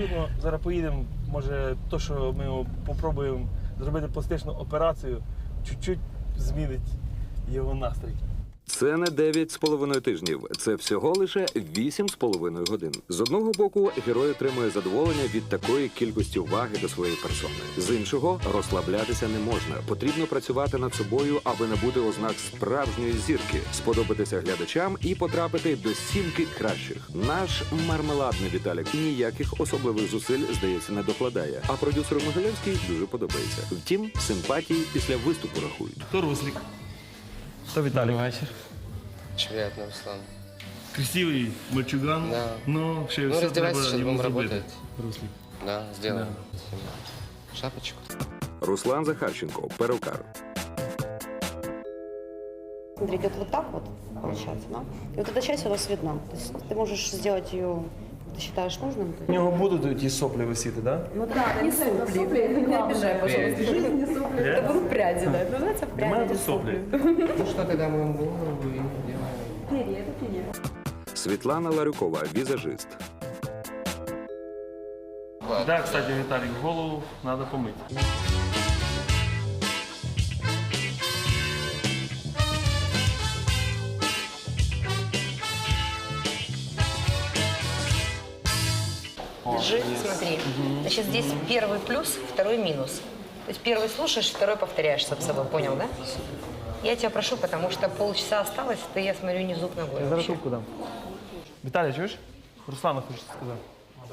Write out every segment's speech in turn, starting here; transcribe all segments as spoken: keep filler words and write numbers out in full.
думаю, зараз поїдемо, може, то, що ми спробуємо зробити пластичну операцію, чуть-чуть змінить його настрій. Це не дев'ять з половиною тижнів, це всього лише вісім з половиною годин. З одного боку, герой отримує задоволення від такої кількості уваги до своєї персони. З іншого, розслаблятися не можна. Потрібно працювати над собою, аби набути ознак справжньої зірки, сподобатися глядачам і потрапити до сімки кращих. Наш мармеладний Віталік ніяких особливих зусиль, здається, не докладає. А продюсеру Могилевський дуже подобається. Втім, симпатії після виступу рахують. То Руслік, то Віталік. Вечір. Приятно, Руслан. Красивий мальчуган, Да. но ще Ну, все раздевайся, треба сейчас йому будем зробити. работать. Руслік. Да, сделаем. Шапочку. Руслан Захарченко, перукар. Смотри, идет вот так вот, получается, да? И вот эта часть у нас видна. То есть ты можешь сделать ее, ты считаешь нужным. У нього будуть ті соплі висіти, так? Ну да, не сопли, не обижай, пожалуйста. Жизнь не сопли, это будут пряди, да. Это называется У мене пряди, тут не соплі. сопли. Ну что, тогда моем голову и делаем. Перья, это перья. Світлана Ларюкова, візажист. Так, кстати, Віталік, голову треба помити. Держи, смотри. Значит, здесь первый плюс, второй минус. То есть первый слушаешь, второй повторяешь сам собой. Понял, да? Я тебя прошу, потому что полчаса осталось, ты, я смотрю, не зуб ногой. Я зараз вообще. трубку дам. Віталій, чуєш? Руслану хочеться сказати.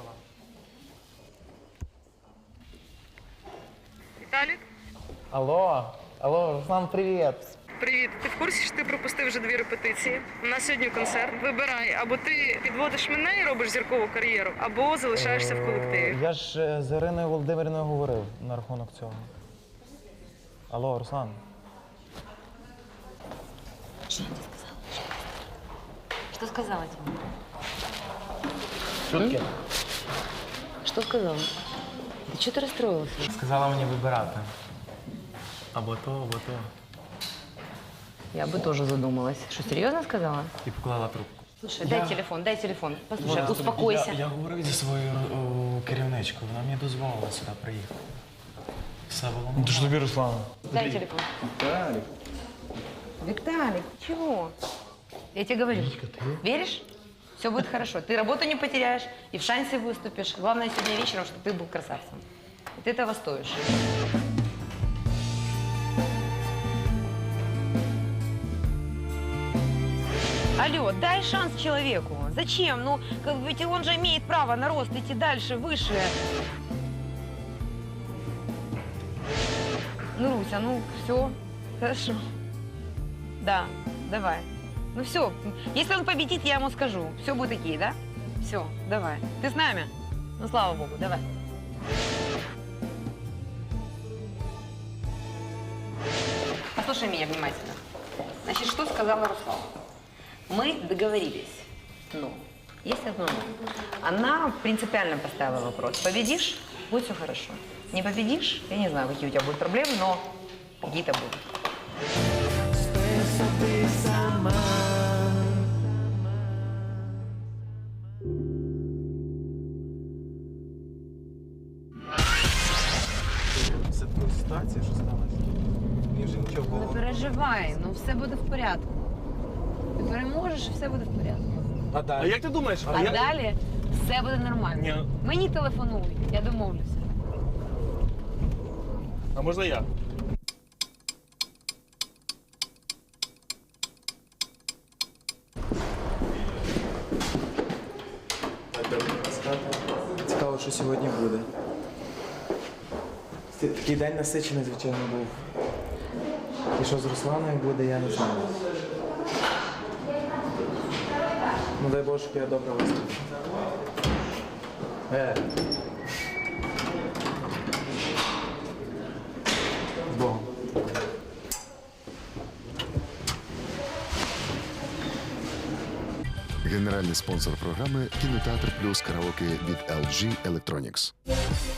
Віталік, Алло, алло, Руслан, привіт. привіт. Ти в курсі, що ти пропустив вже дві репетиції? У нас сьогодні концерт. Вибирай, або ти підводиш мене і робиш зіркову кар'єру, або залишаєшся в колективі. Я ж е, з Іриною Володимирівною говорив на рахунок цього. Алло, Руслан. Что сказала тебе? Що таке? Что сказала? Да что ты расстроился? Сказала мені вибирати. Або то, або то. Я бы тоже задумалась. Что, серьезно сказала? І поклала трубку. Слушай, дай телефон, дай телефон. Послушай, успокойся. Я, я говорив зі своєю о, керівничкою, вона мені дозволила сюди приїхати. Все було нормально. Ти ж тобі, Руслана. Дай телефон. Виталик. Виталик, чего? Я тебе говорю. Веришь? Все будет хорошо. Ты работу не потеряешь и в шансе выступишь. Главное сегодня вечером, чтобы ты был красавцем. И ты этого стоишь. Алло, дай шанс человеку. Зачем? Ну, как бы, ведь он же имеет право на рост, идти дальше, выше. Ну, Руся, ну, все, хорошо. Да, давай. Ну все, если он победит, я ему скажу. Все будет окей, да? Все, давай. Ты с нами? Ну, слава богу, давай. Послушай меня внимательно. Значит, что сказала Руслана? Мы договорились. Но есть одно но. Она принципиально поставила вопрос. Победишь, будет все хорошо. Не победишь, я не знаю, какие у тебя будут проблемы, но какие-то будут. Це така ситуація, що сталося? Мені вже нічого Не переживай, ну все буде в порядку. Ти переможеш і все буде в порядку. А А далі? як ти думаєш? А я- далі все буде нормально. Ні. Мені телефонуй, я домовлюся. А можна я? Цікаво, що сьогодні буде. Такий день насичений, звичайно, був. І що з Русланою буде, я не знаю. Ну дай Боже, щоб я добре виступив. Е. З Богом. Генеральний спонсор програми «Кінотеатр плюс караоке» від ел джі Electronics.